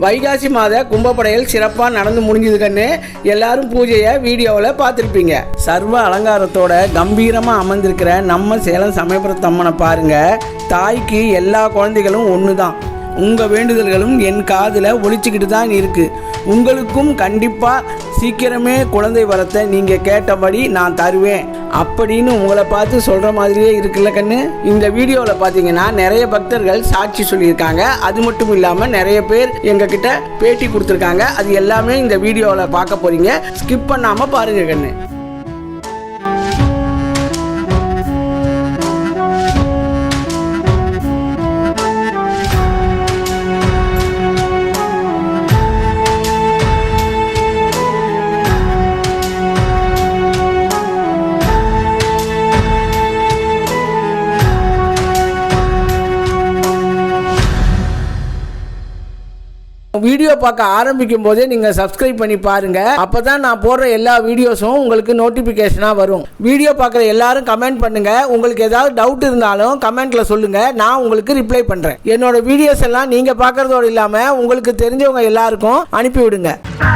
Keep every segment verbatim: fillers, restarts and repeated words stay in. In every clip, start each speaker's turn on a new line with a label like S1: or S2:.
S1: வைகாசி மாத கும்பப்படையல் சிறப்பாக நடந்து முடிஞ்சது கண்ணு. எல்லாரும் பூஜையை வீடியோவில் பார்த்துருப்பீங்க. சர்வ அலங்காரத்தோட கம்பீரமாக அமர்ந்திருக்கிற நம்ம சேலம் சமயபுரத்து அம்மனை பாருங்க. தாய்க்கு எல்லா குழந்தைகளும் ஒன்று தான். உங்கள் வேண்டுதல்களும் என் காதில் ஒழிச்சிக்கிட்டு தான் இருக்குது. உங்களுக்கும் கண்டிப்பாக சீக்கிரமே குழந்தை வரத்தை நீங்கள் கேட்டபடி நான் தருவேன் அப்படின்னு உங்களை பார்த்து சொல்கிற மாதிரியே இருக்குல்ல கண்ணு. இந்த வீடியோவில் பார்த்தீங்கன்னா நிறைய பக்தர்கள் சாட்சி சொல்லியிருக்காங்க. அது மட்டும் இல்லாமல் நிறைய பேர் எங்ககிட்ட பேட்டி கொடுத்துருக்காங்க. அது எல்லாமே இந்த வீடியோவில் பார்க்க போகிறீங்க. ஸ்கிப் பண்ணாமல் பாருங்கள் கண்ணு. வீடியோ பார்க்க ஆரம்பிக்கும் போதே நீங்கள் சப்ஸ்கிரைப் பண்ணி பாருங்கள். அப்போ தான் நான் போடுற எல்லா வீடியோஸும் உங்களுக்கு நோட்டிஃபிகேஷனாக வரும். வீடியோ பார்க்குற எல்லாரும் கமெண்ட் பண்ணுங்கள். உங்களுக்கு ஏதாவது டவுட் இருந்தாலும் கமெண்ட்டில் சொல்லுங்கள். நான் உங்களுக்கு ரிப்ளை பண்ணுறேன். என்னோட வீடியோஸ் எல்லாம் நீங்கள் பார்க்குறதோடு இல்லாமல் உங்களுக்கு தெரிஞ்சவங்க எல்லாருக்கும் அனுப்பிவிடுங்க.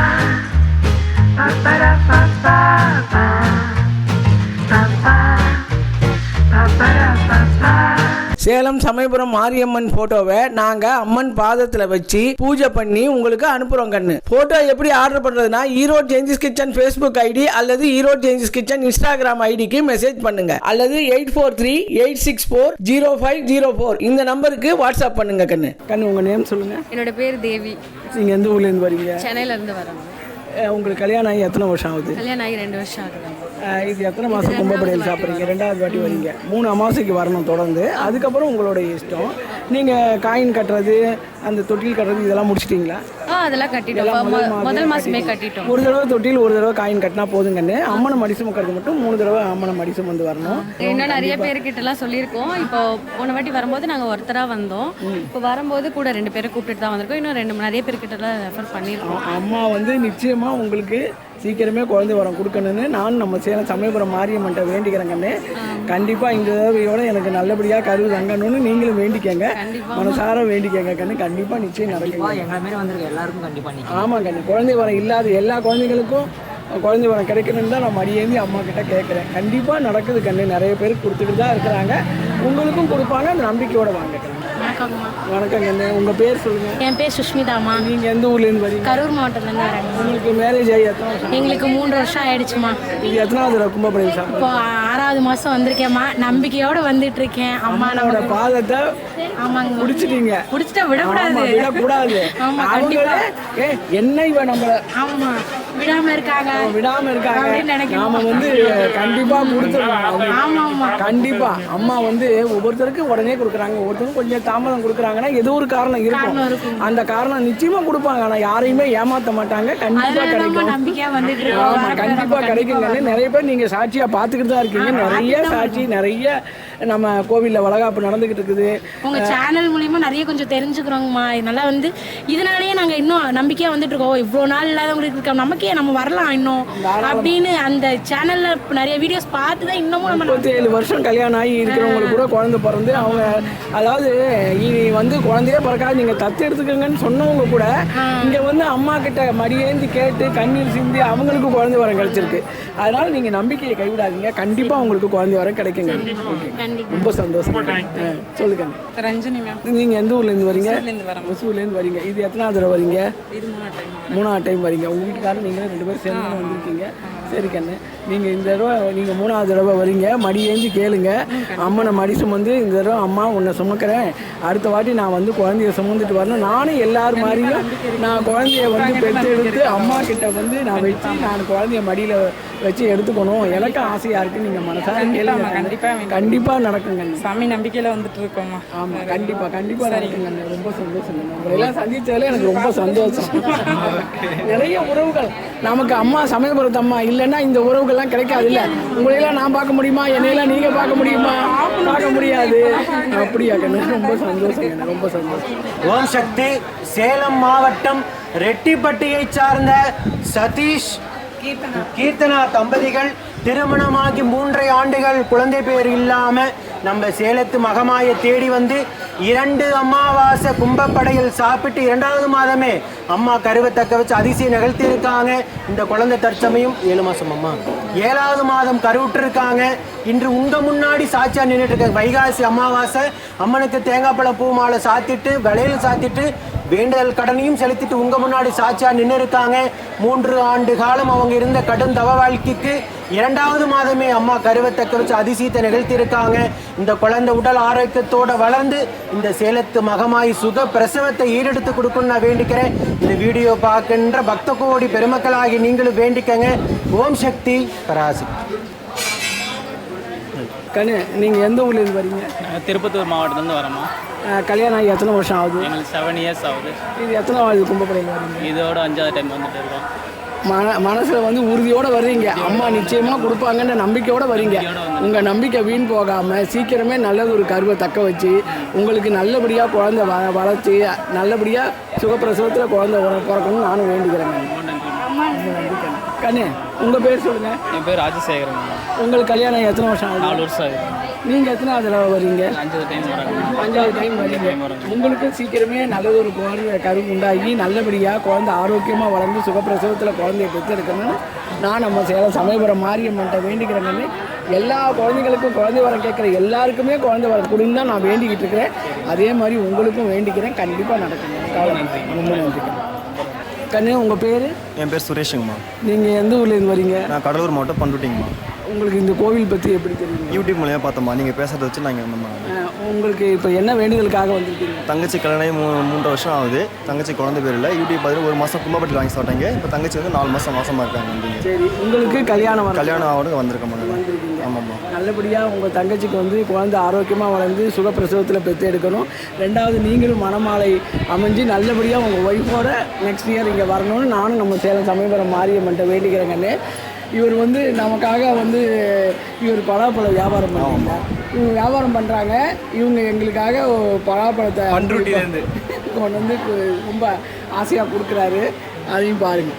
S1: சேலம் சமயபுரம் மாரியம்மன் போட்டோவை நாங்க அம்மன் பாதத்துல வச்சு பூஜை பண்ணி உங்களுக்கு அனுப்புறோம் கண்ணு. போட்டோ எப்படி ஆர்டர் பண்றதுன்னா Erode Changes Kitchen Facebook ID அல்லது ஈரோடு சேஞ்சஸ் கிச்சன் இன்ஸ்டாகிராம் ஐடிக்கு மெசேஜ் பண்ணுங்க. அல்லது eight four three eight six four zero five zero four இந்த நம்பருக்கு வாட்ஸ்அப் பண்ணுங்க கண்ணு. கண்ணு உங்க நேம் சொல்லுங்க.
S2: என்னோட பேர் தேவி.
S1: நீங்க எந்த ஊர்ல இருந்து வரீங்க?
S2: சென்னையில இருந்து வரோம்.
S1: உங்களுக்கு கல்யாணம் ஆகி எத்தனை வருஷம் ஆகுது?
S2: கல்யாணம் ஆகி ரெண்டு வருஷம் ஆகுது.
S1: இது எத்தனை மாதம் கும்பப்படையல் சாப்பிட்றீங்க? ரெண்டாவது வாட்டி வரீங்க. மூணு அமாவாசைக்கு வரணும் தொடர்ந்து. அதுக்கப்புறம் உங்களுடைய இஷ்டம். நீங்கள் காயின் கட்டுறது, அந்த தொட்டில் கட்டுறது இதெல்லாம் முடிச்சிட்டிங்களா?
S2: ஆ அதெல்லாம் கட்டிட்டோம். முதல் மாதமே கட்டிட்டோம்.
S1: ஒரு தடவை தொட்டில் ஒரு தடவை காயின் கட்டினா போதுங்கன்னு. அம்மனை மடி சுமக்கிறது மட்டும் மூணு தடவை அம்மனை மடி சுமந்து வரணும்.
S2: இன்னும் நிறைய பேர்கிட்டலாம் சொல்லியிருக்கோம். இப்போ போன வாட்டி வரும்போது நாங்கள் ஒருத்தராக வந்தோம். இப்போ வரும்போது கூட ரெண்டு பேரை கூப்பிட்டு தான் வந்திருக்கோம். இன்னும் ரெண்டு நிறைய பேர்கிட்டலாம் ரெஃபர் பண்ணியிருக்கோம்.
S1: அம்மா வந்து நிச்சயமாக உங்களுக்கு சீக்கிரமே குழந்தை வரம் கொடுக்கணும்னு நான் நம்ம சேலம் சமயபுரம் மாரியம்மன்ட்ட வேண்டிக்கிறேன் கண்ணு. கண்டிப்பாக இந்த தடவையோட எனக்கு நல்லபடியாக கருவு தங்கணும்னு நீங்களும் வேண்டிக்கங்க. மனசார வேண்டிக்கங்க கண்ணு. கண்டிப்பாக நிச்சயம் நடக்கும்.
S3: எங்களை மாரி வந்திருக்க எல்லாருக்கும் கண்டிப்பாக.
S1: ஆமாம் கண்ணு. குழந்தை வரம் இல்லாத எல்லா குழந்தைங்களுக்கும் குழந்தை வரம் கிடைக்கணும்னு தான் நான் மடியேந்தி அம்மா கிட்ட கேட்குறேன். கண்டிப்பாக நடக்குது கண்ணு. நிறைய பேர் கொடுத்துக்கிட்டு தான் இருக்கிறாங்க. உங்களுக்கும் கொடுப்பாங்க. அந்த நம்பிக்கையோட வாங்க கண்ணு. வணக்கம் கண்ணு. உங்கள் பேர் சொல்லுங்கள்.
S2: என் பேர் சுஷ்மிதாமா.
S1: நீங்கள் எந்த ஊர்லேருந்து வரீங்க?
S2: கரூர் மாவட்டத்துலேருந்து வரேன்.
S1: உங்களுக்கு மேரேஜ் ஆகி எத்தனை வருஷம்?
S2: எங்களுக்கு மூன்று வருஷம் ஆயிடுச்சுமா.
S1: இது எத்தனாவது கும்பப்படையல் சாப்பிட்டு?
S2: இப்போ ஆறாவது மாதம் வந்திருக்கேம்மா. நம்பிக்கையோடு வந்துட்டு இருக்கேன். அம்மாவோட
S1: பாதத்தை
S2: ஆமாங்க
S1: பிடிச்சிட்டீங்க.
S2: பிடிச்சிட்டா விடக்கூடாது.
S1: விடக்கூடாது.
S2: ஆமாம் கண்டிப்பாக.
S1: ஏ என்ன இவன் நம்மளை
S2: ஆமாம் விடாம இருக்காங்க
S1: விடாம இருக்காங்க நாம வந்து கண்டிப்பா கொடுத்துருவோம். ஆமா கண்டிப்பா. அம்மா வந்து ஒவ்வொருத்தருக்கும் உடனே கொடுக்குறாங்க. ஒவ்வொருத்தருக்கும் கொஞ்சம் தாமதம் கொடுக்குறாங்கன்னா ஏதோ ஒரு காரணம் இருக்கும். அந்த காரணம் நிச்சயமா கொடுப்பாங்க. ஆனா யாரையுமே ஏமாத்த மாட்டாங்க. கண்டிப்பா கிடைக்கும். ஆமா கண்டிப்பா கிடைக்குங்க. நிறைய பேர் நீங்க சாட்சியா பாத்துக்கிட்டு தான் இருக்கீங்க. நிறைய சாட்சி நிறைய நம்ம கோவில்ல வளகாப்பு நடந்துகிட்டு இருக்குது.
S2: உங்க சேனல் மூலியமா நிறைய கொஞ்சம் தெரிஞ்சுக்கிறோங்கம்மா. இதனால வந்து இதனாலேயே நாங்க இன்னும் நம்பிக்கையா வந்துட்டு இருக்கோம். இவ்வளவு நாள் இல்லாதவங்களுக்கு இருக்க நமக்கே நம்ம வரலாம் இன்னும் அப்படின்னு அந்த சேனல்ல நிறைய வீடியோஸ் பார்த்து தான் இன்னமும் நம்ம
S1: முப்பத்தி ஏழு வருஷம் கல்யாணம் ஆகி இருக்கிறவங்களுக்கு கூட குழந்தை பிறந்து அவங்க அதாவது இனி வந்து குழந்தையே பிறக்காது நீங்க தத்து எடுத்துக்கங்கன்னு சொன்னவங்க கூட இங்க வந்து அம்மா கிட்ட மடியேந்தி கேட்டு கண்ணீர் சிந்தி அவங்களுக்கு குழந்தை வரம் கிடைச்சிருக்கு. அதனால நீங்க நம்பிக்கையை கைவிடாதீங்க. கண்டிப்பா உங்களுக்கு குழந்தை வரம் கிடைக்குங்க. ரொம்ப சந்தோஷம். சொல்லுங்க.
S3: ரஞ்சினி மேம்.
S1: நீங்க எந்த ஊர்ல இருந்து வரீங்க? ஒசூர்ல இருந்து வரீங்க. இது எத்தனாவது தடவை வரீங்க? மூணாவது டைம் வரீங்க. உங்க வீட்டுக்காரர் நீங்க ரெண்டு பேரும் சேர்ந்து வந்திருக்கீங்க. சரி கண்ணு. நீங்கள் இந்த தடவை நீங்கள் மூணாவது தடவை வரீங்க. மடி ஏந்தி கேளுங்க. அம்மனை மடி சுமந்து இந்த தடவை அம்மா உன்னை சுமக்கிறேன், அடுத்த வாட்டி நான் வந்து குழந்தைய சுமந்துட்டு வரணும். நானும் எல்லாரும் மாதிரியும் நான் குழந்தைய வந்து பெற்று எடுத்து அம்மா கிட்ட வந்து நான் வச்சு நான் குழந்தைய மடியில் வச்சு எடுத்துக்கணும். எனக்கு ஆசையாக இருக்குது. நீங்கள் மனசார கேளுங்க. கண்டிப்பாக கண்டிப்பாக நடக்குங்க.
S3: சாமி நம்பிக்கையில் வந்துட்டு இருக்கோம்மா.
S1: ஆமாம் கண்டிப்பாக கண்டிப்பாக நடக்குங்க. ரொம்ப சந்தோஷம். உங்களெல்லாம் சந்தித்ததில் எனக்கு ரொம்ப சந்தோஷம். நிறைய உறவுகள் நமக்கு அம்மா சமயபுரத்து அம்மா இல்லைன்னா இந்த உறவுகள்லாம் கிடைக்காது. இல்லை உங்களையெல்லாம் நான் பார்க்க முடியுமா? என்னையெல்லாம் நீங்கள் பார்க்க முடியுமா? பார்க்க முடியாது. அப்படியா கண்ணு? ரொம்ப சந்தோஷம். ரொம்ப சந்தோஷம்.
S4: ஓம் சக்தி. சேலம் மாவட்டம் ரெட்டிப்பட்டியை சார்ந்த சதீஷ் கீர்த்தனா தம்பதிகள் திருமணமாகி மூன்றரை ஆண்டுகள் குழந்தை பேர் இல்லாமல் நம்ம சேலத்து மகமாயை தேடி வந்து இரண்டு அமாவாசை கும்பப்படையில் சாப்பிட்டு இரண்டாவது மாதமே அம்மா கருவை தக்க வச்சு அதிசயம் நிகழ்த்தி இருக்காங்க. இந்த குழந்தை தற்சமயம் ஏழு மாசம் அம்மா ஏழாவது மாதம் கருவுற்று இருக்காங்க. இன்று உங்க முன்னாடி சாட்சியா நின்றுட்டு இருக்காங்க. வைகாசி அமாவாசை அம்மனுக்கு தேங்காய் பழம் பூ மாலை சாத்திட்டு விளையல் சாத்திட்டு வேண்டுதல் கடனையும் செலுத்திட்டு உங்க முன்னாடி சாட்சியா நின்று இருக்காங்க. மூன்று ஆண்டு காலம் அவங்க இருந்த கடும் தவ வாழ்க்கைக்கு இரண்டாவது மாதமே அம்மா கருவை தக்க வச்சு அதிசயத்தை நிகழ்த்தி இருக்காங்க. இந்த குழந்தை உடல் ஆரோக்கியத்தோட வளர்ந்து இந்த சேலத்து மகமாய் சுக பிரசவத்தை ஈடெடுத்து கொடுக்கணும்னு நான் வேண்டிக்கிறேன். இந்த வீடியோ பார்க்கின்ற பக்த கோடி பெருமக்களாகி நீங்களும் வேண்டிக்கங்க. ஓம் சக்தி பராசக்தி.
S1: கண்ணு நீங்கள் எந்த ஊர்லேருந்து வரீங்க?
S5: திருப்பத்தூர் மாவட்டத்துலேருந்து வரோம்மா.
S1: கல்யாணம் ஆகி எத்தனை வருஷம் ஆகுது?
S5: எங்களுக்கு செவன் இயர்ஸ் ஆகுது.
S1: இது எத்தனை ஆகுது கும்பப்படையில் வரீங்க?
S5: இதோட அஞ்சாவது டைம் வந்துட்டு இருக்கோம்.
S1: மன மனசில் வந்து உறுதியோடு வர்றீங்க. அம்மா நிச்சயமாக கொடுப்பாங்கன்ற நம்பிக்கையோடு வரீங்க. உங்கள் நம்பிக்கை வீண் போகாமல் சீக்கிரமே நல்லது ஒரு கருவை தக்க வச்சு உங்களுக்கு நல்லபடியாக குழந்தை வ வளர்ச்சி நல்லபடியாக சுகப்பிரசவத்தில் குழந்தை பிறக்கணும்னு நானும் வேண்டிக்கிறேன். கண்ணு உங்கள் பேர் சொல்லுங்கள்.
S5: என் பேர் ராஜசேகரன்.
S1: உங்களுக்கு கல்யாணம் எத்தனை வருஷம் ஆகுது?
S5: நாலு வருஷம் ஆகுது.
S1: நீங்கள் எத்தனை தடவை வரீங்க?
S5: அஞ்சாவது டைம் வராங்க.
S1: அஞ்சாவது டைம் வரீங்க. உங்களுக்கு சீக்கிரமே நல்லது ஒரு குழந்தை கரு உண்டாகி நல்லபடியாக குழந்தை ஆரோக்கியமாக வளர்ந்து சுகப்பிரசவத்தில் குழந்தைய பெற்றெடுக்கணும்னு நான் நம்ம சேலம் சமயபுரம் மாரியம்மன்ட்ட வேண்டிக்கிறேங்கன்னு எல்லா குழந்தைகளுக்கும் குழந்தை வரம் கேட்குற எல்லாருக்குமே குழந்தை வரம் கொடுன்னு தான் நான் வேண்டிக்கிட்டு இருக்கிறேன். அதே மாதிரி உங்களுக்கும் வேண்டிக்கிறேன். கண்டிப்பாக நடக்குங்க. கவலை நன்றி. ரொம்ப நன்றிங்க. கண்ணு உங்கள் பேர்?
S6: என் பேர் சுரேஷுங்கம்மா.
S1: நீங்கள் எந்த ஊர்லேருந்து வரீங்க?
S6: நான் கடலூர் மாவட்டம் பண்ருட்டிங்கம்மா.
S1: உங்களுக்கு இந்த கோவில் பற்றி எப்படி தெரியும்?
S6: யூடியூப் மூலியமாக பார்த்தோம்மா. நீங்கள் பேசுகிறத வச்சு நாங்கள் வந்தோம்மா.
S1: உங்களுக்கு இப்போ என்ன வேண்டுதலுக்காக வந்திருக்கீங்க?
S6: தங்கச்சி கல்யாணம் மூ மூன்று வருஷம் ஆகுது. தங்கச்சி குழந்தை பேர் இல்லை. யூடியூப் பார்த்து ஒரு மாதம் கும்பப்பட்டி வாங்கி சாப்பிட்டாங்க. இப்போ தங்கச்சி வந்து நாலு மாதம் மாசமாக இருக்காங்க. வந்தீங்க.
S1: சரி, உங்களுக்கு கல்யாணம் வர
S6: கல்யாணம் ஆகுது வந்திருக்கோம்மா.
S1: வந்திருக்கீங்க.
S6: ஆமாம்மா.
S1: நல்லபடியாக உங்கள் தங்கச்சிக்கு வந்து குழந்தை ஆரோக்கியமாக வளர்ந்து சுகப்பிரசவத்தில் பெற்று எடுக்கணும். ரெண்டாவது நீங்களும் மணமாலை அமைஞ்சு நல்லபடியாக உங்கள் ஒய்ஃபோட நெக்ஸ்ட் இயர் இங்கே வரணும்னு நானும் நம்ம சேலம் சமயபுரம் மாரியம்மன்ட்ட வேண்டிக்கிறேங்கன்னு. இவர் வந்து நமக்காக வந்து இவர் பலாப்பழ வியாபாரம் பண்ணுறாங்க. இவங்க வியாபாரம் பண்ணுறாங்க. இவங்க எங்களுக்காக பலாப்பழத்தை
S5: பண்ருட்டிலேருந்து
S1: கொண்டு வந்து ரொம்ப ஆசையாக கொடுக்குறாரு. அதையும் பாருங்கள்.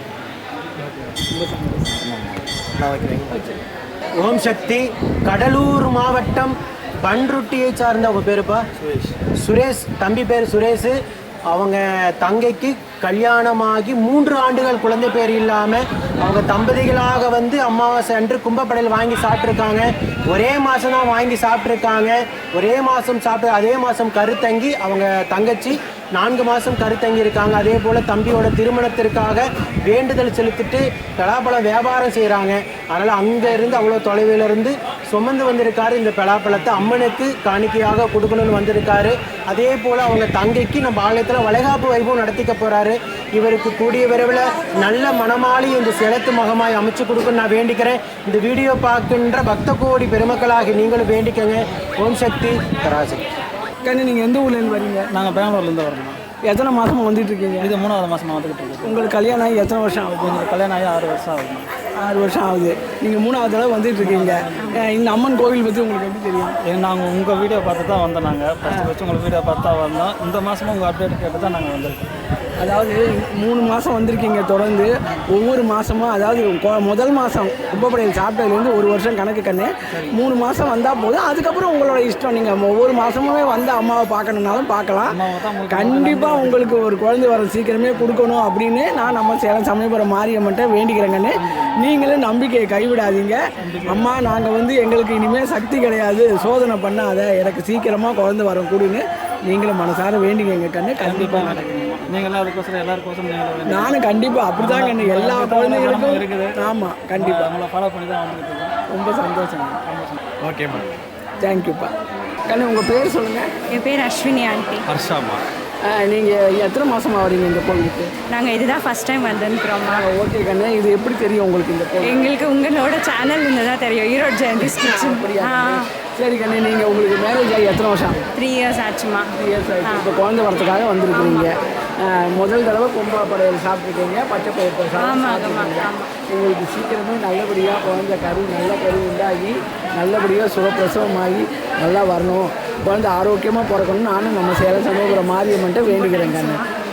S1: ரொம்ப சந்தோஷம்.
S6: நான் வைக்கிறேன்.
S4: ஓம் சக்தி. கடலூர் மாவட்டம் பண்ருட்டியை சார்ந்த உங்கள் பேருப்பா?
S6: சுரேஷ்.
S4: சுரேஷ். தம்பி பேர் சுரேஷ். அவங்க தங்கைக்கு கல்யாணமாகி மூன்று ஆண்டுகள் குழந்தை பேர் இல்லாமல் அவங்க தம்பதிகளாக வந்து அமாவாசை அன்று கும்பப்படையில் வாங்கி சாப்பிட்ருக்காங்க. ஒரே மாதம் தான் வாங்கி சாப்பிட்ருக்காங்க. ஒரே மாதம் சாப்பிட்டு அதே மாதம் கருத்தங்கி அவங்க தங்கச்சி நான்கு மாதம் கருத்தங்கி இருக்காங்க. அதே போல் தம்பியோட திருமணத்திற்காக வேண்டுதல் செலுத்திட்டு பலாப்பழம் வியாபாரம் செய்கிறாங்க. அதனால் அங்கே இருந்து அவ்வளோ தொலைவில் இருந்து சுமந்து வந்திருக்காரு. இந்த பலாப்பழத்தை அம்மனுக்கு காணிக்கையாக கொடுக்கணும்னு வந்திருக்காரு. அதே போல் அவங்க தங்கைக்கு நம்ம ஆலயத்தில் வளைகாப்பு வைபவம் நடத்திக்க போகிறாரு. இவருக்கு கூடிய விரைவில் நல்ல மணமாளி இந்த சேலத்து மகமாய் அமைச்சு கொடுக்கணும்னு நான் வேண்டிக்கிறேன். இந்த வீடியோ பார்க்கின்ற பக்த கோடி பெருமக்களாகி நீங்களும் வேண்டிக்கங்க. ஓம் சக்தி பராசக்தி.
S1: கண்ணு நீங்கள் எந்த ஊர்லேருந்து வரீங்க?
S5: நாங்கள் பெங்களூர்லேருந்து வரோம்மா.
S1: எத்தனை மாதமாக வந்துட்டு இருக்கீங்க?
S5: இது மூணாவது மாதமாக வந்துக்கிட்டு இருக்கோம்.
S1: உங்களுக்கு கல்யாணம் ஆகி எத்தனை வருஷம் ஆகுது?
S5: எங்களுக்கு கல்யாணம் ஆகி ஆறு வருஷம் ஆகுதுமா.
S1: ஆறு வருஷம் ஆகுது. நீங்கள் மூணாவது தடவை வந்துட்டு இருக்கீங்க. இந்த அம்மன் கோவில் பற்றி உங்களுக்கு எப்படி தெரியும்?
S5: ஏன்னா நாங்கள் உங்கள் வீடியோ பார்த்து தான் வந்தோம். நாங்கள் ஃபஸ்ட்டு ஃபஸ்ட்டு உங்கள் வீடியோ பார்த்து தான் வந்தோம். இந்த மாதமும் உங்கள் அப்டேட் கேட்டு தான் நாங்கள் வந்திருக்கோம்.
S1: அதாவது மூணு மாதம் வந்திருக்கீங்க தொடர்ந்து. ஒவ்வொரு மாதமும் அதாவது கொ- முதல் மாதம் கும்பப்படையில் சாப்பிட்டதுலேருந்து ஒரு வருஷம் கணக்கு கண்ணு மூணு மாதம் வந்தால் போதும். அதுக்கப்புறம் உங்களோட இஷ்டம். நீங்கள் ஒவ்வொரு மாதமுமே வந்து அம்மாவை பார்க்கணுன்னாலும் பார்க்கலாம். கண்டிப்பாக உங்களுக்கு ஒரு குழந்தை வர சீக்கிரமே கொடுக்கணும் அப்படின்னு நான் நம்ம சேலம் சமயபுரம் மாரியம்மன்ட்ட வேண்டிக்கிறேங்கன்னு. நீங்களும் நம்பிக்கையை கைவிடாதீங்க. அம்மா நாங்கள் வந்து எங்களுக்கு இனிமேல் சக்தி கிடையாது, சோதனை பண்ணாத, எனக்கு சீக்கிரமாக குழந்தை வரும் கொடுன்னு நீங்களும் மனசார வேண்டிக்கங்க கண்ணு. கண்டிப்பாக நடக்குங்க.
S5: நீங்களும் அதுக்கோசரம் எல்லாருக்கோசரம் நீங்களும்
S1: நானும் கண்டிப்பாக அப்படி தான் கண்ணு. எல்லா குழந்தைங்களுக்கும்
S5: இருக்குது.
S1: ஆமாம் கண்டிப்பாக.
S5: அவங்கள ஃபாலோ பண்ணி தான் வந்துக்கிட்டு இருக்கோம்.
S1: ரொம்ப சந்தோஷம்.
S6: ஓகேம்மா.
S1: தேங்க்யூப்பா. கண்ணு உங்கள் பேர் சொல்லுங்கள்.
S7: என் பேர் அஸ்வினி ஆண்டி.
S6: ஹர்ஷாம்மா.
S1: நீங்கள் எத்தனை மாதமாக வரீங்க இந்த கோவிலுக்கு?
S7: நாங்கள் இதுதான் ஃபஸ்ட் டைம் வந்துருக்குறோம்மா.
S1: ஓகே கண்ணு. இது எப்படி தெரியும் உங்களுக்கு இந்த கோவில்?
S7: எங்களுக்கு உங்களோட சேனல் இருந்ததான் தெரியும். ஈரோடு ஜெயந்தி
S1: அப்படியா?
S7: ஆ
S1: சரி கண்ணு. நீங்கள் உங்களுக்கு மேரேஜ் ஆகி எத்தனை வருஷம் ஆகும்?
S7: த்ரீ இயர்ஸ் ஆச்சுமா.
S1: த்ரீ இயர்ஸ் ஆகிடுச்சு. இப்போ குழந்தை வரத்துக்காக வந்திருக்கிறீங்க. முதல் தடவை கும்பா படையல் சாப்பிட்ருக்கீங்க. பச்சை பயிர்
S7: ஆமாம்
S1: சாப்பிட்ருக்கீங்க.
S7: ஆமாம்.
S1: உங்களுக்கு சீக்கிரமே நல்லபடியாக குழந்தை கரு நல்ல கரு உண்டாகி நல்லபடியாக சுகப்பிரசவமாகி நல்லா வரணும், குழந்தை ஆரோக்கியமாக பிறக்கணும்னு நானும் நம்ம சேலம் சமயபுரம் மாரியம்மன்ட்ட வேண்டிக்கிறேன் கண்ணு.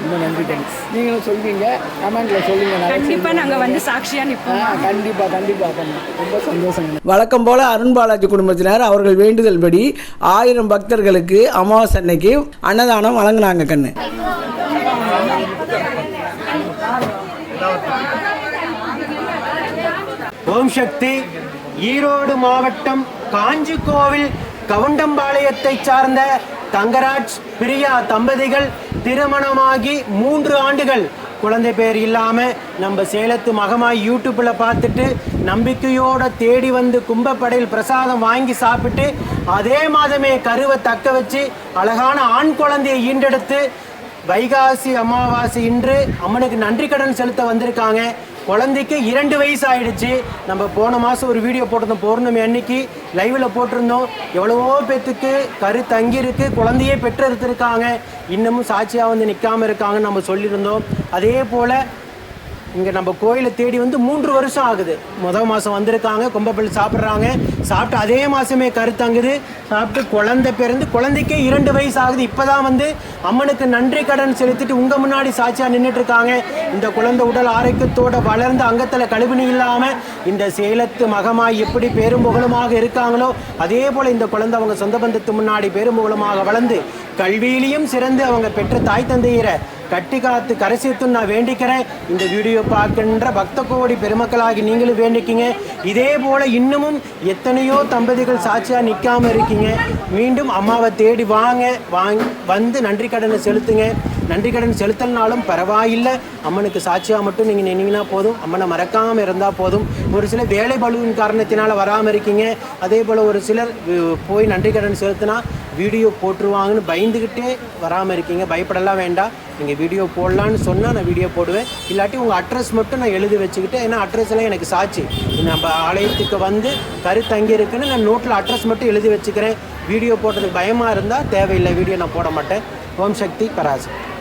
S1: ரொம்ப நன்றி கண்ணு. நீங்களும் சொல்வீங்க, கமெண்ட்ல சொல்லுங்க.
S7: கண்டிப்பா நாங்க வந்து சாட்சியா நிற்போம்.
S1: கண்டிப்பா கண்டிப்பா கண்ணு. ரொம்ப சந்தோஷம். வழக்கம் போல அருண் பாலாஜி குடும்பத்தினர் அவர்கள் வேண்டுதல்படி ஆயிரம் பக்தர்களுக்கு அமாவாசை அன்னைக்கு அன்னதானம் வழங்கினாங்க கண்ணு.
S4: ஓம் சக்தி. ஈரோடு மாவட்டம் காஞ்சிக்கோவில் கவுண்டம்பாளையத்தை சார்ந்த தங்கராஜ் பிரியா தம்பதிகள் திருமணமாகி மூன்று ஆண்டுகள் குழந்தை பேர் இல்லாமல் நம்ம சேலத்து மகமாய் யூடியூப்பில் பார்த்துட்டு நம்பிக்கையோடு தேடி வந்து கும்பப்படையில் பிரசாதம் வாங்கி சாப்பிட்டு அதே மாதமே கருவை தக்க வச்சு அழகான ஆண் குழந்தையை ஈண்டெடுத்து வைகாசி அமாவாசை இன்று அம்மனுக்கு நன்றி கடன் செலுத்த வந்திருக்காங்க. குழந்தைக்கு இரண்டு வயசு ஆயிடுச்சு. நம்ம போன மாதம் ஒரு வீடியோ போட்டிருந்தோம், பௌர்ணமி அன்னைக்கு லைவில் போட்டிருந்தோம். எவ்வளவோ பேத்துக்கு கரு தங்கியிருக்கு, குழந்தையே பெற்றெடுத்திருக்காங்க, இன்னமும் சாட்சியாக வந்து நிற்காமல் இருக்காங்கன்னு நம்ம சொல்லியிருந்தோம். அதே போல் இங்கே நம்ம கோயிலை தேடி வந்து மூன்று வருஷம் ஆகுது. முதல் மாதம் வந்திருக்காங்க, கும்பப்பள்ளி சாப்பிட்றாங்க, சாப்பிட்டு அதே மாதமே கருத்தங்குது, சாப்பிட்டு குழந்தை பிறந்து குழந்தைக்கே இரண்டு வயசு ஆகுது. இப்போ தான் வந்து அம்மனுக்கு நன்றி கடன் செலுத்திட்டு உங்கள் முன்னாடி சாட்சியாக நின்றுட்டுருக்காங்க. இந்த குழந்தை உடல் ஆரோக்கியத்தோடு வளர்ந்து அங்கத்தில் கழுவினி இல்லாமல் இந்த சேலத்து மகமாய் எப்படி பெரும்புகழுமாக இருக்காங்களோ அதே போல் இந்த குழந்தை அவங்க சொந்த பந்தத்து முன்னாடி பெரும்புகழுமாக வளர்ந்து கல்வியிலையும் சிறந்து அவங்க பெற்ற தாய் தந்தையரை கட்டி காத்து கரை சேர்த்துன்னு நான் வேண்டிக்கிறேன். இந்த வீடியோ பார்க்கின்ற பக்த கோடி பெருமக்களாகி நீங்களும் வேண்டிக்கிங்க. இதே போல் இன்னமும் எத்தனையோ தம்பதிகள் சாட்சியாக நிற்காமல் இருக்கீங்க. மீண்டும் அம்மாவை தேடி வாங்க, வாங்க வந்து நன்றி கடனை செலுத்துங்க. நன்றி கடன் செலுத்தலனாலும் பரவாயில்லை, அம்மனுக்கு சாட்சியாக மட்டும் நீங்கள் நின்னீங்கன்னா போதும், அம்மனை மறக்காமல் இருந்தால் போதும். ஒரு சிலர் வேலை பளுவின் காரணத்தினால் வராமல் இருக்கீங்க. அதே போல் ஒரு சிலர் போய் நன்றி கடன் செலுத்தினா வீடியோ போட்டுருவாங்கன்னு பயந்துக்கிட்டே வராமல் இருக்கீங்க. பயப்படலாம் வேண்டாம், நீங்கள் வீடியோ போடலான்னு சொன்னால் நான் வீடியோ போடுவேன். இல்லாட்டி உங்கள் அட்ரஸ் மட்டும் நான் எழுதி வச்சுக்கிட்டு, ஏன்னா அட்ரஸ் எல்லாம் எனக்கு சாட்சி. நம்ம ஆலயத்துக்கு வந்து கருத்தங்கி இருக்குன்னு நான் நோட்டில் அட்ரஸ் மட்டும் எழுதி வச்சுக்கிறேன். வீடியோ போடுறதுக்கு பயமாக இருந்தால் தேவையில்லை, வீடியோ நான் போட மாட்டேன். ஓம் சக்தி பராசக்தி.